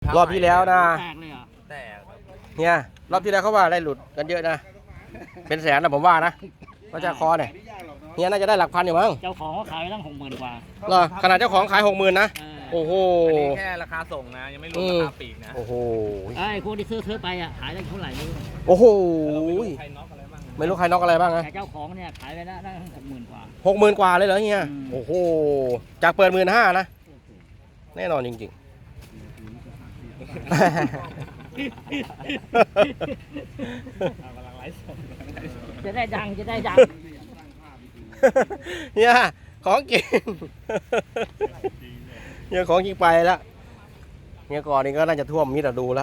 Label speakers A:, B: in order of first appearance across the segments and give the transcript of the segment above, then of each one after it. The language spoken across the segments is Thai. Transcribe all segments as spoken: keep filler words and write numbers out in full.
A: รอบที่แล้วนะ
B: แตกเลยเหรอ
C: แตก
A: เนี่ยรอบที่แล้วเขาว่าได้หลุดกันเยอะนะเป็นแสนนะผมว่านะว่าจะคอเนี่ยเนี่ยน่าจะได้หลักพันอยู่มั้ง
B: เจ้าของเขาขายไปตั้งหกหมื่นกว่า
A: เหรอขนาดเจ้าของขายหกหมื่นนะโอ้โห
C: อันนี้แค่ราคาส่งนะยังไม่รวมราคาปีกนะ
A: โอ้โห
B: ไอ้พวกที่ซื้อซื้อไปอ่ะขายได้เท่าไหร่ไม่รู้
A: โอ้โห
C: ใครน็อกอะไรบ้าง
A: ไม่รู้ใครน็อกอะไรบ้างนะ
B: แต่เจ้าของเนี่ยขายไปได้ตั้งหกหมื่นกว่า
A: หกหมื่นกว่าเลยเหรอเฮียโอ้โหจากเปิดหมื่นห้านะแน่นอนจริงๆ
B: จะได้ดังจะได้ดัง
A: เนี่ยของจริงเนี่ยของจริงไปแล้วเนี่ยก่อนนี้ก็น่าจะท่วมมิดดูแล้ว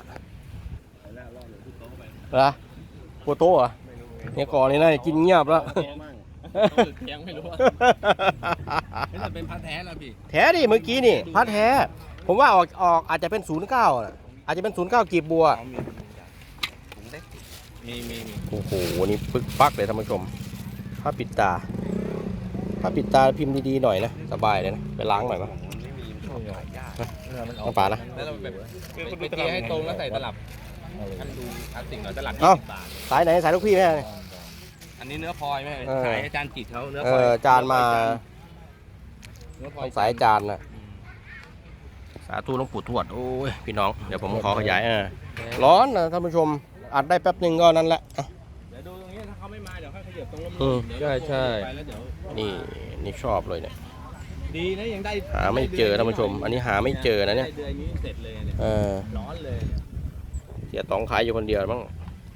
A: เหรอปูโต้เหรอเนี่ยก่อนนี้น่าจะกินเงียบแล้ว
C: เทียงไม่รู้ว่าไม่จะเป็นพัดแท้แล้วพี่
A: แท้ดิเมื่อกี้นี่พัดแท้ผมว่าออกออกอาจจะเป็นศูนย์เก้าอาจจะเป็นศูนย์เก้ากีบบัว
C: มีมีมี
A: โอ้โหนี่ปึ๊กปักเลยท่านผู้ชมผ้าปิดตาผ้าปิดตาพิมพ์ดีๆหน่อยนะสบายเลยนะไปล้างหน่อยมั้ยต้องป่านะ
C: แล้วเราแบบคือคุณไปเทให้ตรงแล้วใส่ตลับท่านดูพลาสติกหน่อยตลับยี่สิบบาท
A: สายไหนสายลูกพี่แม่
C: อันนี้เนื้อพลอยไหมสายอาจารย์จิตเขาเนื้อ
A: พลอยจานมาสายจานนะสาธุหลวงปู่ทวดโอ้ยพี่น้องเดี๋ยวผมขอขยายอ่ะร้อนนะท่านผู้ชมอัดได้แป๊บหนึ่งก็นั่นแหละ
C: เดี๋ยวดูตรงนี้ถ้าเขาไม่มาเดี๋ยวค่อยขยับตรง
A: ลมๆใช่ใช่นี่นี่ชอบเลยเนี่ย
C: ดีนะยังได้
A: หาไม่เจอท่านผู้ชมอันนี้หาไม่เจอนะเนี่ย
C: เดือนนี้เสร็จเลยเนี่ย
A: เออ
C: ร้อนเลย
A: เสียตองขายอยู่คนเดียวมั้ง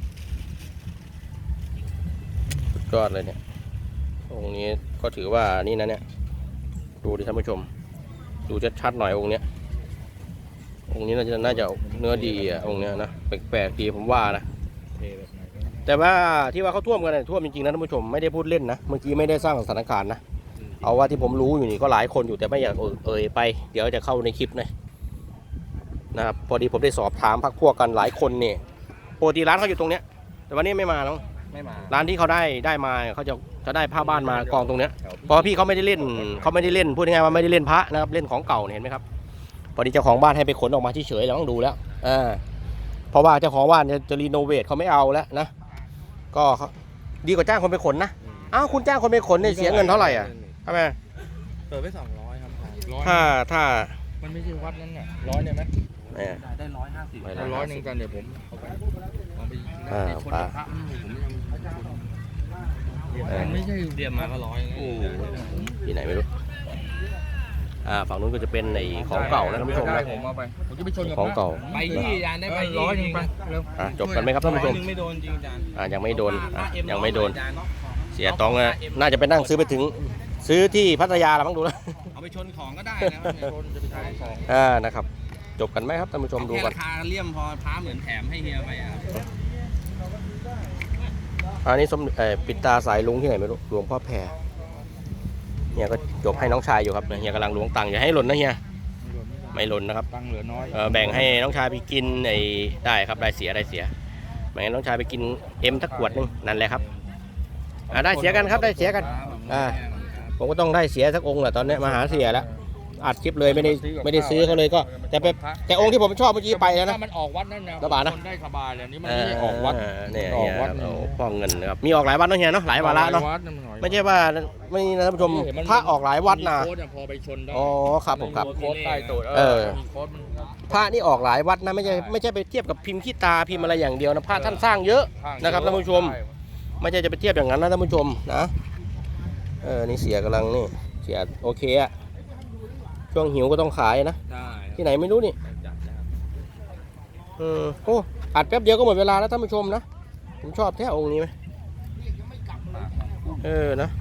A: ยอดเลยเนี่ยองค์นี้ก็ถือว่านี่นะเนี่ยดูดิท่านผู้ชมดูชัดๆหน่อยองค์เนี้ยองค์นี้น่าจะน่าจะเนื้อดีอ่ะองค์เนี้ยนะแปลกๆดีผมว่านะแต่ว่าที่ว่าเขาท่วมกันท่วมจริงๆนะท่านผู้ชมไม่ได้พูดเล่นนะเมื่อกี้ไม่ได้สร้างสถานการณ์นะเอาว่าที่ผมรู้อยู่นี่ก็หลายคนอยู่แต่ไม่อยากเอ่ยไปเดี๋ยวจะเข้าในคลิปนะนะครับพอดีผมได้สอบถามพักพวกกันหลายคนเนี่ยปกติร้านเขาอยู่ตรงเนี้ยแต่วันนี้ไม่มาแล้ว
C: ไม่มา
A: ร้านที่เขาได้ได้มาเขาจะจะได้ผ้าบ้านมากองตรงเนี้ยเพราะพี่เขาไม่ได้เล่นเขาไม่ได้เล่นพูดง่ายๆว่าไม่ได้เล่นพระนะครับเล่นของเก่าเห็นไหมครับพอดีเจ้าของบ้านให้ไปขนออกมาที่เฉยเราต้องดูแล้วอ่าเพราะว่าเจ้าของบ้านจะจะรีโนเวทเขาไม่เอาแล้วนะก็ดีกว่าจ้างคนไปขนนะอ้าวคุณจ้างคนไปขนเนี่ยเสียเงินเท่าไหร่อ่ะทำไม
C: เปิดไปสองร้อยครับ
A: ถ้าถ้า
C: มันไม่ใช่วัดนั้นน่ะร้อยเนี่ยไหมได้ร้อยห้าสิบร้อยหนึ่งกันเดี๋ยวผมเอาไปเอาไป
A: อ่าปลา
C: ผมไม่ใช่เดียมมาก็ร้อย
A: ที่ไหนไม่รู้อ่าฝั่งนู้นก็จะเป็นในของเก่านะท่านผู้ชมนะ
C: ผมเอาไปผมจะไปชน
A: ของเก่า
C: ไปที่ยานได้ไปร้อยหนึ่งไปเร็ว
A: จบกันไหมครับท่านผู้ชม
C: ไม่โดนจริงจาน
A: อ่ายังไม่โดนยังไม่โดนเสียตองนะน่าจะไปนั่งซื้อไปถึงซื้อที่พัทยาแล้วมั้งดูแล้ว
C: เอาไปชนของก็ได้นะชนจะไปใช้ของ
A: อ่านะครับจบกันไหมครับท่านผู้ชมดูกัน
C: ราคาเลี่ยมพอพาเหมือนแถมให้เฮียไปอ่ะ
A: อันนี้สมปิดตาสายลุงที่ไหนไม่รู้หลวงพ่อแพรเฮียก็จบให้น้องชายอยู่ครับเฮียกำลังล้วงตังค์อย่าให้หล่นนะเฮียไม่หล่นนะครับ
C: ตังค์เหลือน้อย
A: แบ่งให้น้องชายไปกินไอ้ได้ครับได้เสียได้เสียแบ่งให้น้องชายไปกินเอ็มทักขวดนึงนั่นแหละครับอ่าได้เสียกันครับได้เสียกันอ่าผมก็ต้องได้เสียสักองค์แหละตอนนี้มาหาเสียแล้วอัดคลิปเลยไม่ได้ไม่ได้ซื้อเขาเลยก็แต่แต่องค์ที่ผมชอบเมื่อกี้ไปแล้วนะ
C: มันออกวัดนั่นนะ
A: ระบาดนะ
C: ได้สบายเลยนี่มันไม่ออกวัด
A: เนี่ยออกวัดพ่อเงินนะครับมีออกหลายวัดเนาะเฮียเนาะหลายวาระเนาะไม่ใช่ว่าไม่นะท่านผู้ชมพระออกหลายวัดนะ
C: พอไปชนได้
A: อ๋อครับผมครับ
C: โค้ดใต้ตัว
A: เออพระนี่ออกหลายวัดนะไม่ใช่ไม่ใช่ไปเทียบกับพิมพ์ขี้ตาพิมพ์อะไรอย่างเดียวนะพระท่านสร้างเยอะนะครับท่านผู้ชมไม่ใช่จะไปเทียบอย่างนั้นนะท่านผู้ชมนะเออนี่เสียกำลังนี่เสียโอเคอะช่วงหิวก็ต้องขายนะที่ไหนไม่รู้นี่อืมโอ้อัดแป๊บเดียวก็หมดเวลาแล้วท่านผู้ชมนะผมชอบแท้องค์นี้ไหมเออนะ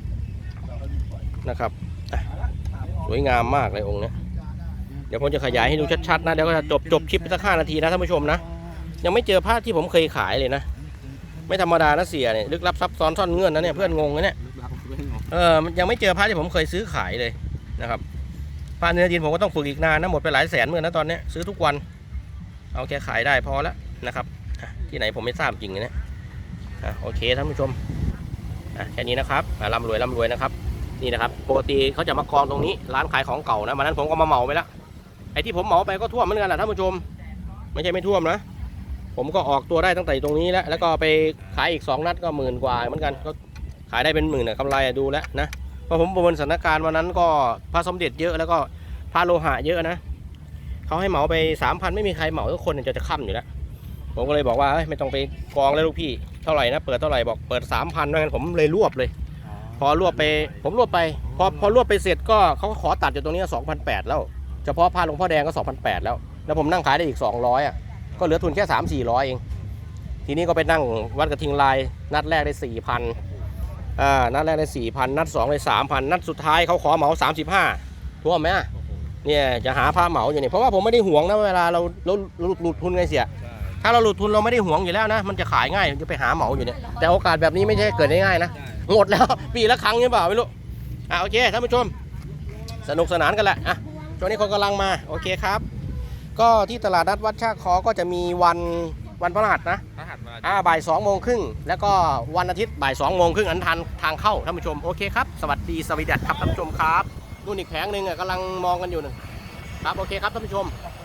A: นะครับสวยงามมากเลยองค์นี้เดี๋ยวผมจะขยายให้ดูชัดๆนะเดี๋ยวก็จะจบจบคลิปสักห้านาทีนะท่านผู้ชมนะยังไม่เจอภาพที่ผมเคยขายเลยนะไม่ธรรมดานะเสียเนี่ยลึกลับซับซ้อนซ่อนเงื่อนนะเนี่ยเพื่อนงงนะเนี่ยเออมันยังไม่เจอภาพที่ผมเคยซื้อขายเลยนะครับปลาเนื้อดินผมก็ต้องฝึกอีกนานนะหมดไปหลายแสนเหมือนนะตอนนี้ซื้อทุกวันเอาแค่ขายได้พอแล้วนะครับที่ไหนผมไม่ทราบจริงนะโอเคท่านผู้ชมแค่นี้นะครับร่ำรวยร่ำรวยนะครับนี่นะครับปกติเขาจะมากองตรงนี้ร้านขายของเก่านะวันนั้นผมก็มาเหมาไปแล้วไอ้ที่ผมเหมาไปก็ท่วมเหมือนกันแหละท่านผู้ชมไม่ใช่ไม่ท่วมนะผมก็ออกตัวได้ตั้งแต่ตรงนี้แล้วแล้วก็ไปขายอีกสองนัดก็หมื่นกว่าเหมือนกันก็ขายได้เป็นหมื่นนะกำไรดูแล้วนะเพราะผมประเมินสถานการณ์วันนั้นก็พระสมเด็จเยอะแล้วก็พระโลหะเยอะนะเขาให้เหมาไปสามพันไม่มีใครเหมาทุกคนจะจะค่ำอยู่แล้วผมก็เลยบอกว่าไม่ต้องไปกองแล้วลูกพี่เท่าไหร่นะเปิดเท่าไหร่บอกเปิดสามพันงั้นผมเลยรวบเลยพอรวบไปผมรวบไปพอพอรวบไปเสร็จก็เขาขอตัดอยู่ตรงนี้สองพันแปดแล้วเฉพาะพระหลวงพ่อแดงก็สองพันแปดแล้วแล้วผมนั่งขายได้อีกสองร้อยอ่ะก็เหลือทุนแค่สามสี่ร้อยเองทีนี้ก็ไปนั่งวัดกระทิงลายนัดแรกได้สี่พันอ่านัดแรกได้สี่พันนัดสองได้สามพันนัดสุดท้ายเขาขอเหมาสามสิบห้าท่วมไหมเนี่ยจะหาผ้าเหมาอยู่เนี่ยเพราะว่าผมไม่ได้ห่วงนะเวลาเราเราหลุดทุนไงเสียถ้าเราหลุดทุนเราไม่ได้ห่วงอยู่แล้วนะมันจะขายง่ายจะไปหาเหมาอยู่เนี่ยแต่โอกาสแบบนี้ไม่ใช่เกิดได้ง่ายนะหมดแล้วปีละครั้งใช่เปล่าไม่รู้อ่ะโอเคท่านผู้ชมสนุกสนานกันแหละอ่ะช่วงนี้คนกำลังมาโอเคครับก็ที่ตลาดนัดวัดชากคอก็จะมีวันวันพฤหัสนะอ่าบ่ายสองโมงครึ่งแล้วก็วันอาทิตย์บ่ายสองโมงครึ่งอันทันทางเข้าท่านผู้ชมโอเคครับสวัสดีสวีดัสครับท่านผู้ชมครับนู่นอีกแผงหนึ่งอ่ะกำลังมองกันอยู่หนึ่งครับโอเคครับท่านผู้ชม